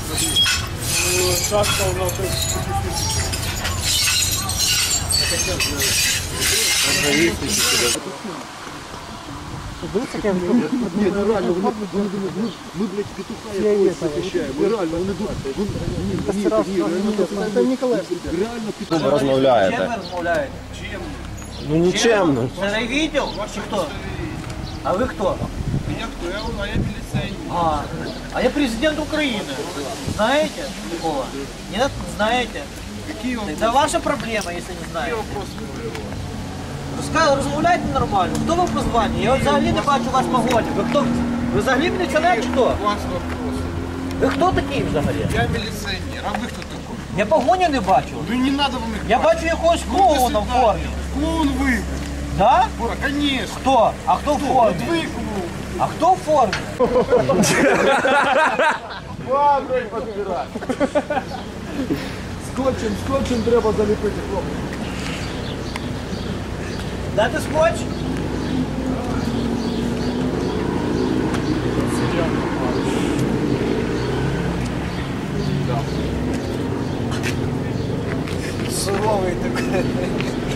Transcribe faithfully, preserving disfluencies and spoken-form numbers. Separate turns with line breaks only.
Шашка у нас.
Ні, ну реально, вони, вони думають, ми, ми, блядь, петуха якогось захищаємо. Ми реально, вони думають, ні, ні, ні, це Ніколаєв. Реально петуха.
Ви розмовляєте?
Чим ви розмовляєте?
Ну нічемно.
Це райвідділ чи хто? А ви хто?
Я хто? Я, а я міліцейник.
А, а я президент Украины. Знаете такого? Нет? Знаете?
Какие вопросы?
Это ваша проблема, если не знаете.
Вопросы.
Розка- Розмовляйте нормально. Хто ви по званню? Я от взагалі не бачу вас погоні. Ви хто? Ви взагалі міліціонер чи хто?
У вас вопросы.
Ви хто такий взагалі?
Я милиционер. А вы кто такой?
Я погоні не бачу.
Ну не надо вам их.
Я бачу якогось клоуна в формі.
Клоун вы.
Да?
Бора, конечно.
Хто? А хто в формі?
Вы клоун.
А хто в формі?
Баброй подбирать.
Скотчем, скотчем треба заліпити, хлопці.
Дати скотч? Суровий такий.